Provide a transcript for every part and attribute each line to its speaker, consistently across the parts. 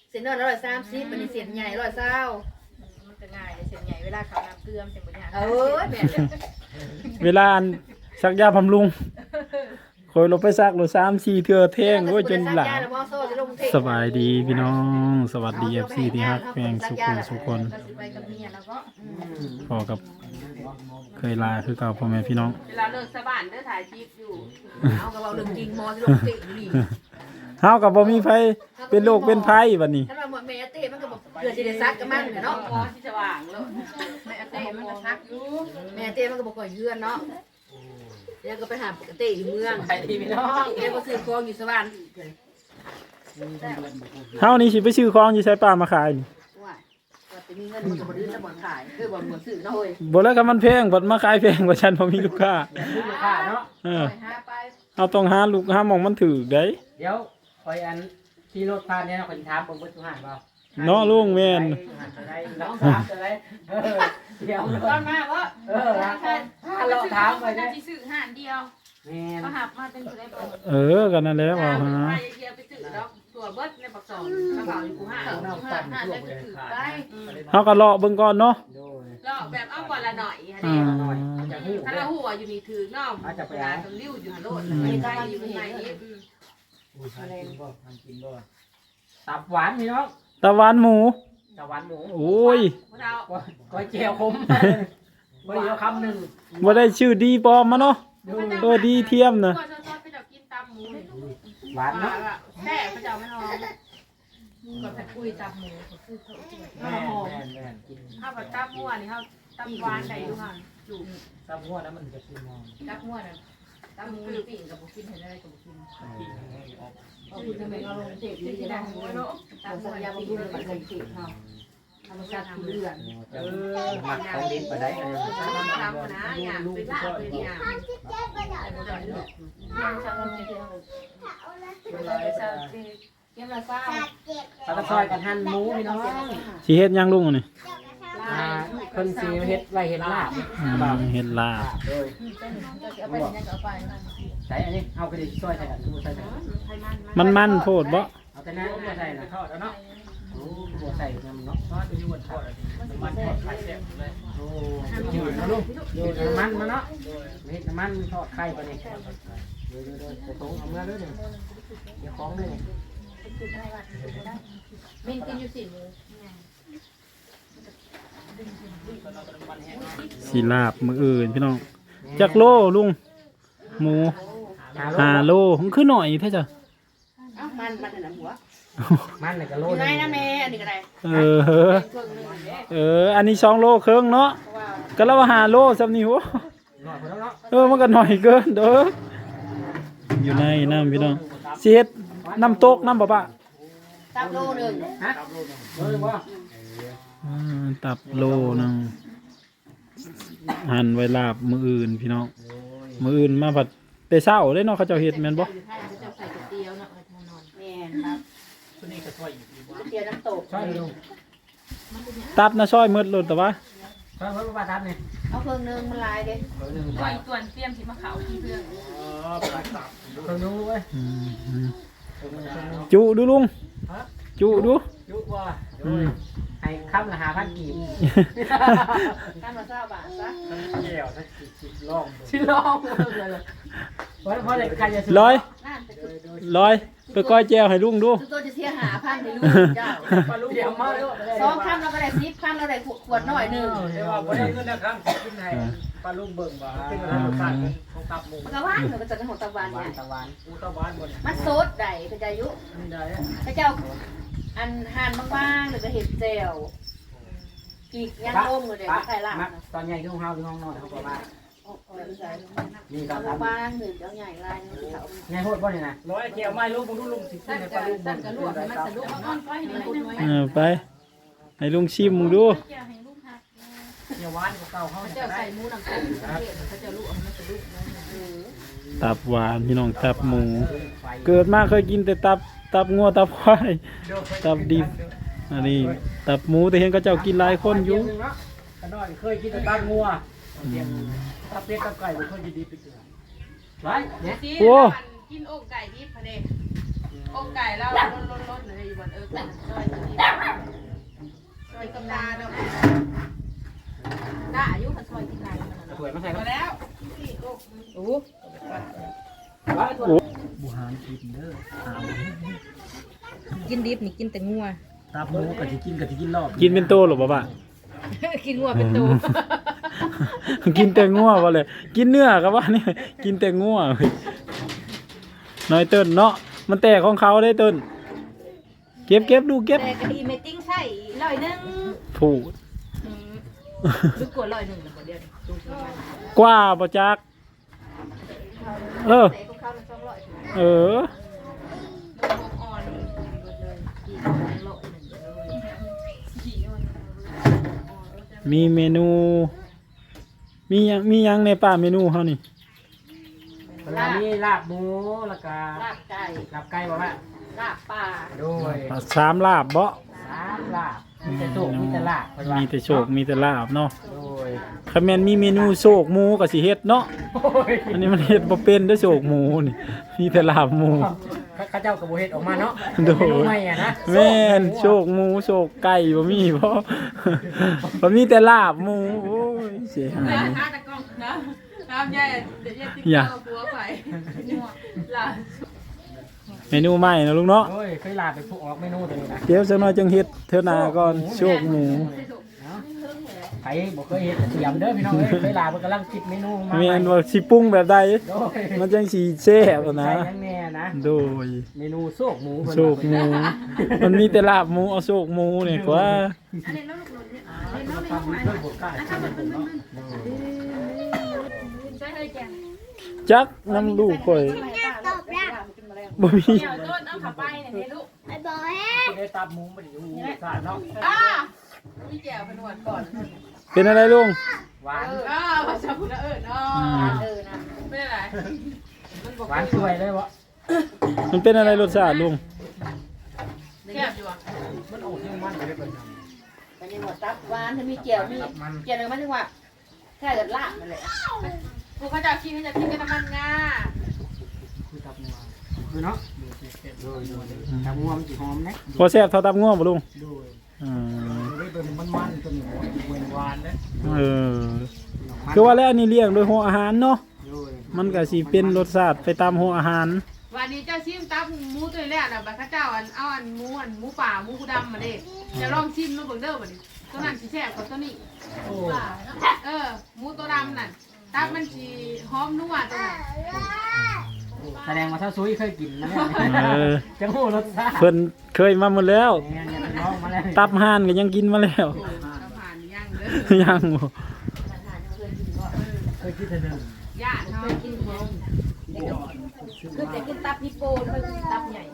Speaker 1: เส้นน้อย130มันนี่เส้นใหญ่120
Speaker 2: มันจะง่ายเส้นใหญ่เวลาเขาน้ำเกลือมันจะบ่ยาก
Speaker 1: แม่
Speaker 3: เวลาซักยาบำรุงคอยลงไปซักโล3-4เทื่อแท่งโอ้ยจนหลาสบายดีพี่น้องสวัสดี FC ที่ฮักแพงสุขคนพอกับเคยลาคือเก่าพ่อแม่พี่น้อง
Speaker 2: เวลาเลิกสบานเด้อถ่ายคลิปอยู่
Speaker 1: เอากับเราเรื่องจริงมอสิลงเตะนี่
Speaker 3: เฮาก็บ่มีไผเป็นโรคเป็นภัยบัดนี้
Speaker 1: ถ้าว่าแม่เต้มันก็บ่เกิดสิได้ซักกับมันเนาะ
Speaker 2: พอที่สว่างแล้วแม่เต้มันก็ซักอยู่
Speaker 1: แม่เต้มันก็บ่ค่อยเฮือนเนาะเดี๋ยวก็ไปหาเต้อยู่เมือง
Speaker 2: ไปดีพี่น้อง
Speaker 1: เดี๋ยวก็ซื้อของอยู่สวรรค์
Speaker 3: เฮานี่สิไปซื้อของอยู่ไสป่ามาขายนี่
Speaker 1: ว่าจะมีเงินมันก็บ่ดื้อแล้วบ่ขายคือบ่ซื้อเนาะเฮ้ย
Speaker 3: บ่แล้วก็มันแพงบัดมาขายแพงกว่าฉันบ่มีลูกค้า
Speaker 2: ลูกค้าเนาะ
Speaker 1: หาไป
Speaker 3: เอาต้องหาลูกหาหม่องมันถูกได้
Speaker 4: เดี๋ยวคอยอันขี่รถผ่านเนี่ยคนถามผมว่าสุหานเปล่า
Speaker 3: เนาะลุงแม่น
Speaker 4: น้องถามอะไรเดี๋ยว
Speaker 2: ตอนมาว่า
Speaker 4: ถ้าเราถามไป
Speaker 2: เนี่
Speaker 4: ย
Speaker 2: ที่ซื้อห่านเดียวก็หับมาเป็นอะไรบ้
Speaker 3: างกันนั่นแหละว่าฮะ
Speaker 2: เดียวไปซื้อแล้วตัวเบิดในปักซองกระเป๋าอยู่กูห่านได้ก็ถือได้
Speaker 3: เฮาก็เลาะเบิ่งก่อนเนาะ
Speaker 2: เลาะแบบเอาก่อนละหน่อยฮะนี่ถ้าเราหัวอยู่นี่ถือน้อมเวลาต้องริ้วอยู่หันโลดเลยใกล้อยู่ข้างในนี้
Speaker 4: ตับหวานพี่น้อง
Speaker 3: ตะวันหมู
Speaker 4: ตับหวานหมู
Speaker 3: โอ้ย
Speaker 4: ก้อยเจียวคมบ่ได้คำหนึ่ง
Speaker 3: บ่ได้ชื่อดีปลอมมาเนาะดีเทียมนะ
Speaker 4: หวานเนาะ
Speaker 2: แค่พระเจ้าไม่หอมก่อนไปคุยตับหมูคือเขาหอมข้าวผัดตับมั่วนี่ข้าวตับหวานใส่ดูค่ะจุ่ม
Speaker 4: ตับมั่วแล้วมันจะกินมอง
Speaker 2: ตับมั่วน่ะตับหมูปิ่งกับบุกินเห็นอะไรกับบุกินเอาคุณจะไม่เอาลงเจ็บที่จะได้หัวเนาะตับมั่วยาบุกินกับลงเจ็บเขาธรรมชาติทำเลือด
Speaker 4: หมักของดิบไปได้
Speaker 2: ทำนะอย่างเป็นลาบเป็นอย่างเก็บละเศร้า
Speaker 4: ตะซอยกันหั่นหมูพี่น้อง
Speaker 3: สิเฮ็ดยังลุงนี่
Speaker 4: คนสิเฮ็ดไว้เฮ็ดลาบ
Speaker 3: เฮ็ดลาบ
Speaker 4: ใส่อันนี้เอากระดิ่งซอยใส่กันใส่
Speaker 3: มันโพดบ่
Speaker 4: เอาแต่น้ำใส่น่ะทอดแล้วเนาะโอ้บ่ใส่น้ำเนาะทอดอยู่บนทอดมันทอดไข่แซ่บเลยโอ้ยืดนะลูกยืดน้ำมันมาเนาะเฮ็ดน้ำมันทอดไข่ปะนี่เดี๋ยวๆจะตรงเอามาเลยนี่เดี๋ยวของเลย
Speaker 2: มินกินอยู่สิ
Speaker 3: สิลาบมื้ออื่นพี่น้องจักโลลุงหมู5โลมันคือหน่อยแท้จ้ะ
Speaker 1: มันน่ะหัว
Speaker 4: มันน่ะก็โล
Speaker 1: นึงนะแม่อันนี้ก็ได้
Speaker 3: อันนี้2โลครึ่งเนาะก็แล้วว่า5โลซำนี่โหมันก็หน่อยเกินเด้ออยู่ในน้ำพี่น้องสิเฮ็ดน้ำตกน้ำบ่ปะ
Speaker 1: ตับโลนึง
Speaker 4: ฮะโลนึงบ่
Speaker 3: ตับโลนึงหั่นไว้ลาบมื้ออื่นพี่น้องมื้ออื่นมาผัดแต่เช้าเลยเนาะเขาเจ้าเฮ็ดแม่นบ่ตับนะซอยมืดลุดแต่ว่า
Speaker 4: ซอยมืดว่าตับนี่
Speaker 1: เอาเครื่องนึงมันลายเด้
Speaker 2: ก่อนส่วนเตรียมสิมาเขาที่เพื่อน
Speaker 4: เครื่องนู้เว้ย
Speaker 3: จุดูลุงจุดู
Speaker 4: จุว่าให้คำละ5,000 กีบ
Speaker 1: คำละ20 บาทซะ
Speaker 4: แก้วสัก10 ลองเลยเพราะเด็กใครจะซื้อ
Speaker 3: 100ไปก้อยแก้วให้ลุงดู
Speaker 1: ตัวจะเสีย5,000ให้ลุงเจ้า
Speaker 4: เดี๋ยวมา
Speaker 1: 2คำเราก็ได้10คำเราได้ขวดน้อยนึง
Speaker 4: เดี๋ยวว่าบ่ได้เงินนะครับกินให้ปลาลุงเบิ่งว่าเป็นอะไรรสชาติของตับหมู
Speaker 1: มันก็หวานมันก็จะเป็นของตับหวานเนี่ย
Speaker 4: ตับหวานตับหวานหมด
Speaker 1: มันสดได้พระเจ้ายุพระเจ้าอันหั่นบางๆหรือก็เห็ดแจ่วกีกย่างต้มเลยเดี๋ยวใส่ลาบ
Speaker 4: ตอนใหญ่ที่ห้องน้อยเขาบอกว่า
Speaker 1: นี่ตอนบางหนึ่งเจ้าใหญ่ลาย
Speaker 4: ใหญ่โคตรบ่เนี่ยนะ100เกี่ยวไม้ลูกลุงสิขึ้นให้ปลาลุงสั่นกระลวกมันสะดุ้งนอนไป
Speaker 3: ไปให้ลุงชิมมึงดู
Speaker 4: เดี๋ยวหวานเก่าเขา
Speaker 2: เจ้าใส่หมูหนังไก่เขาจะลวกมันสะดุ้ง
Speaker 3: ตับหวานพี่น้องตับหมูเกิดมาเคยกินแต่ตับงัวตับควายตับดิบอันนี้ตับหมูแต่เห็นก็เจ้ากินหลายคนอยู่
Speaker 4: ขน้อยเคยกินแต่ตับงัวตับเป็ดตับไก่เคยกินดีไปเกินไร
Speaker 2: เนี่ยโอ้กินอกไก่ดิบพะเดอกไก่แล้วล้นเลยอยู่บนเป็นซอยตัวนี้ซอยกำนาเนาะได้อายุคันซอยที่ไหนมัน
Speaker 4: สวยมาใส่
Speaker 2: มาแล้วโอ้
Speaker 3: บุหารกินเด้อหา
Speaker 2: กินดิบนี่กินแต่งัว
Speaker 3: ตาหมูก็สิกินรอบกินเป็นโตหรอบ่ป่ะ
Speaker 2: กินงัวเป็นตัว
Speaker 3: กินแต่งัวบ่เลยกินเนื้อก็ว่านี่กินแต่งัวเฮ้ยน้อยเติ้นเนาะมันแตกของเขาได้เติ้นเก็บดูเก็บ
Speaker 2: แต่กะดีเมติ้งใส่ร้อยนึง
Speaker 3: ผูด
Speaker 2: ดูกดร้อยนึงแล้วบ่เดียวดูประมาณ
Speaker 3: กว่าบ่จักเออ
Speaker 2: แต่ของเขามัน200
Speaker 3: เออ
Speaker 2: อ่อนเลยกินร้อยนึงเลย
Speaker 3: มีเมนู มียังในป่าเมนูเฮานี่
Speaker 4: เวลานี้ลาบหมูแล้วก็
Speaker 1: ลาบไก่
Speaker 4: ลาบไก่บ่แม่
Speaker 1: ลาบปลา
Speaker 4: โดย
Speaker 3: สามลาบบ่
Speaker 4: 3ลาบมีแต่โชคมีแต่ลาบเพิ่นว่า
Speaker 3: มีแต่โชคมีแต่ลาบเนาะ
Speaker 4: โดย
Speaker 3: คันแม่นมีเมนูโชคหมูก็สิเฮ็ดเนาะ
Speaker 4: โอ้ย
Speaker 3: อันนี้มันเฮ็ดบ่เป็นเด้อโชคหมูนี่มีแต่ลาบหมู
Speaker 4: ข้าเจ้ากับโบเฮ็ดออกมาเนาะ
Speaker 3: โดย
Speaker 4: เมนูใหม่อะนะ
Speaker 3: แม่นโชคหมูโชคไก่บ่มีบ่ บ่มีแต่ลาบหมูโอ้ยเสียหาย
Speaker 2: ถ้าตะกล้องนะน้ำใหญ่เดี๋ยวติ๊กเอาหัวไปล่ะ
Speaker 3: เมนูใหม่นะลุงเนาะ
Speaker 4: โอ้ยเคยลาไปผู้ออกเมนูตัวนี้นะ
Speaker 3: เดี๋ยวสักหน่อยจังเฮ็ดเทื่อหน้าก่อนโชคหมู
Speaker 4: ใครบ่เคยเฮ็ดเตรียมเด้อพี่น้องเอ้ยเคยลาเพิ่นกำลังคิดเมนูมา
Speaker 3: แม่นว่าสิปรุงแบบใด
Speaker 4: โดย
Speaker 3: มันจังสิแซ่บอะนะ
Speaker 4: ใส่ยังแน่นะ
Speaker 3: โดย
Speaker 4: เมนูโซกหมู
Speaker 3: โชคหมู มันมีแต่ลาบหมูเอาโชคหมูนี่กว่า
Speaker 2: อันนี้น้องลูกนี่อันนี้น้อง
Speaker 4: ทำด้วยบทกล้าทำเป็นเนาะ
Speaker 2: ใช่เลยแก
Speaker 3: จักน้ำลูกข่อยบ่มี
Speaker 2: เดี๋ยวต้นเอาขับไปเนี่ยลูก
Speaker 4: ได้ตับหมูบ่ได้อยู่สาดเนาะ
Speaker 2: พี่แก้วเป็นหวานก่อน
Speaker 3: เป็นอะไรลุง
Speaker 4: หวาน
Speaker 2: ภาษาพุทธเอิญอ๋อนะไม่ได้ไรมันบอก
Speaker 4: หวานช่วยเลยบ่
Speaker 3: มันเป็นอะไรรสชาติลุง
Speaker 2: แก้วอยู่อ่ะ
Speaker 4: มันออกที่มันเลยเพิ่น
Speaker 1: มันยังหมดตับหวานถ้ามีเจียวมีเจียวเลยมันถึงว่าแค่เกิดลาบนั่นแหละ
Speaker 2: กูเขาจะกินเขาจะกินกันน้ำมันงา
Speaker 4: คือตับงัวคือเนาะโดยตับงัวมันสิหอมนะ
Speaker 3: บ่แซ่บเท่าตับง่วงบ่ลุง
Speaker 4: โดย
Speaker 3: อืม
Speaker 4: ได้เป็นมันๆตัวนี้เวนหวานเด้
Speaker 3: เออคือว่าแล้วอันนี้เลี้ยงโดยหัวอาหารเนาะ
Speaker 4: โดย
Speaker 3: มันก็สิเป็นรสชาติไปตามหัวอาหาร
Speaker 2: วันนี้เจ้าชิมตับหมูตัวแรกนะบัดข้าเจ้าเอาหมูป่าหมูกูดำมาเด็กจะลองชิมมาเบิ่งเด้อบัดนี้ตัวนั้นสีแซ่บกว่าตัวนี้
Speaker 4: โอ้
Speaker 2: หมูตัวดำนั่นตับมันสีหอมนัวตัวนั้น
Speaker 4: แสดงว่าถ้าซุยเคยกินนะเนี่ย
Speaker 3: เออ
Speaker 4: จังหูรสชาติ
Speaker 3: เพิ่นเคยมาหมดแล้ว
Speaker 4: เนี่ยเป็นน้องมาแล้ว
Speaker 3: ตับห่านก็ยังกินมาแล้ว
Speaker 2: เราผ่านย่างเด้อ
Speaker 3: ยังบ่
Speaker 4: เคยกินแต่เดิม
Speaker 2: ย่างเขากินเองคือแต่กินตับฮิปโปแล้วก็กินตับใหญ่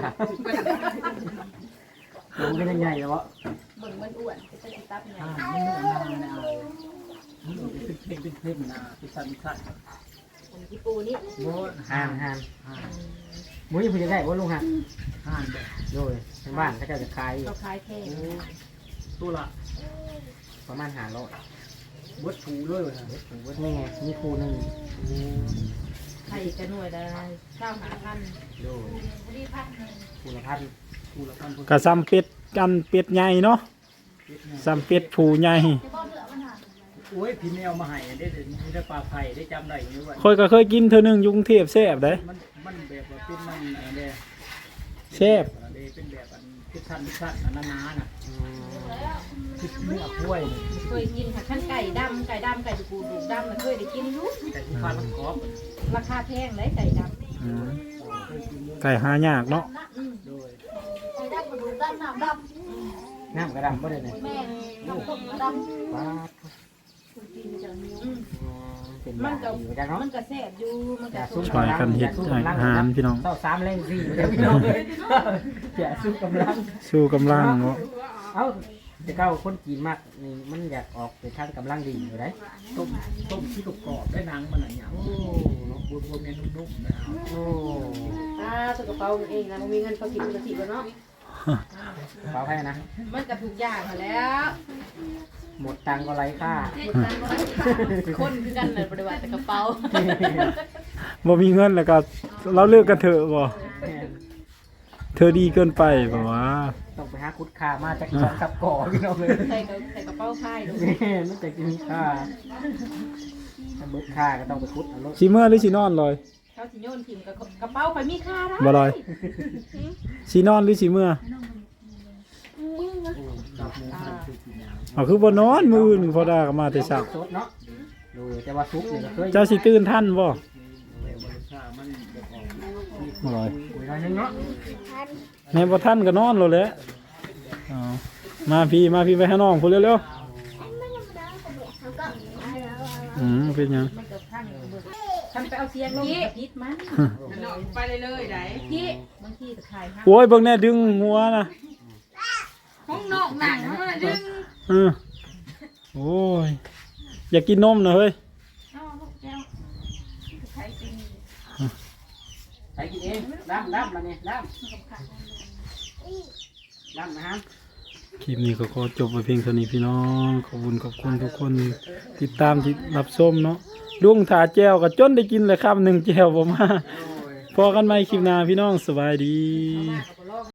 Speaker 4: มันเป็นยังไงแล้ววะ
Speaker 2: เบิ่งมันอ้วนก็จะกินตับใหญ่
Speaker 4: มันนุ่มนานนะมันเป็นเพ่งนะเป็นสันสัน
Speaker 2: ฮิปโปนี่
Speaker 4: โบห่านมุ้ยผู้ใหญ่ว่าลุงห่านโดยทางบ้านเขาจะขาย
Speaker 2: เขาคล้ายแค่
Speaker 4: ตัวละประมาณ500บดถูเลยบดนี่ไงมีคูนึง
Speaker 2: ไข่กระหน่วยละเจ้าหาพัน
Speaker 4: โดยคูละพัน
Speaker 3: ก็ซ้ำเป็ดกันเป็ดใหญ่เนาะซ้ำเป็ดผู้ใหญ่
Speaker 4: โอ้ยพี่แมวมาให้ได้ปลาไผ่ได้จำได้อยู่ว่า
Speaker 3: ค่อยก็เคยกินเทื่อนึงอยู่กรุงเทพแซ่บได้
Speaker 4: มันแบบว่าเป็นมันอะไร
Speaker 3: แซ่บ
Speaker 4: เป็นแบบอันพิชันอันนานาน่ะคือเนื้อกล้วย
Speaker 2: เคยกินค่ะขั้นไก่ดำไก่ดูกูดำมันเคยได้กินอยู่
Speaker 4: แต่ที่ฟ้ามันกรอบ
Speaker 2: ราคาแพงเลยไก่ด
Speaker 3: อืมไก่หายากเนาะ
Speaker 4: โดย
Speaker 1: ไก่ดำกระดูกดำน้ำด
Speaker 4: น้ำกระดำบ่ได้เลย
Speaker 1: ำแม่น้ำต้มดำ
Speaker 4: ว้า
Speaker 2: ำ
Speaker 4: มันก็อยู่จังเนาะ
Speaker 2: มันก็แซ่บอยู่มันก็
Speaker 3: ช่วยกันเฮ็ดอาหารพี่น้อง
Speaker 4: เต้า3แรง4เดี๋ยวพี่น้องเลยแกสู้กำลัง
Speaker 3: สู้กำลังเนาะ
Speaker 4: เอ้าแต่เก้าคนจีนมากนี่มันอยากออกไปทางกำลังดีอยู่ได้ต้มที่กรอบได้หนังมันอะไรอย่างโอ้เนาะบวมๆเนี่ยนุ่มๆนะโอ้
Speaker 1: ตัวกระเป๋าเองนะมันมีเงินพอกินกะทิแล้วเนาะ
Speaker 4: เปล่าให้นะ
Speaker 2: มันก็ถูกอย่างแล้ว
Speaker 4: หมดตังก็ไร้ค่า
Speaker 2: คนคือกันเลยปฏิบัติแต่กระเป๋า
Speaker 3: บ่มีเงินแล้วก็เราเลิกกันเถอะบ่เธอดีเกินไปบ่ว่า
Speaker 4: ต้องไปหาคุดค่ามาจาก2 3ก่อพี่น้องเลย
Speaker 2: ใส่กระเป๋าผ้าดู
Speaker 4: แม่นมันจะกินค่าถ้าเบิดค่าก็ต้องไปคุดเอารถ
Speaker 3: สิเมื่อหรือสินอนลอย
Speaker 2: เขาสิโยนถิ่มกับกระเป๋าไปมีค่าได้
Speaker 3: บ่ลอยสินอนหรือสิเมื่อเอาคือบ่นอนมื้อหนึงพอดาก็มาแต่เช้า
Speaker 4: สดเนาะดูแต่ว่าซุปนี่ก็เคย
Speaker 3: เจ้าสิตื่นทันบ่บ่ลอย
Speaker 4: คุยหน่อยนึงเนาะ
Speaker 3: แม่บ่ทันก็นอนแล้วแหละเอามาพี่ไปหาน้องพุ่นเร็วๆเป็นหยัง
Speaker 2: มันกับข้างทำไปเอาเสียงลงกับพิษมันไปเลยไหนพี่บางทีจะขายห้า
Speaker 3: โอ้ยเบิ่งแน่ดึงหัวนะ
Speaker 2: ห้องนอกหนังมันดึง
Speaker 3: โอ้ยอยากกินนมนะเฮ้ย
Speaker 2: เอาลูกแก้วใครกิน
Speaker 4: ไปกินเองดำแล้วเนี่ยดำนะฮะ
Speaker 3: คลิปนี้ก็ขอจบไปเพียงเท่านี้พี่น้องขอบคุณทุกคนติดตามที่รับชมเนาะลุงถาแจวก็จนได้กินเลยคำหนึ่งแจวบ่มาพอกันใหม่คลิปหน้าพี่น้องสบายดี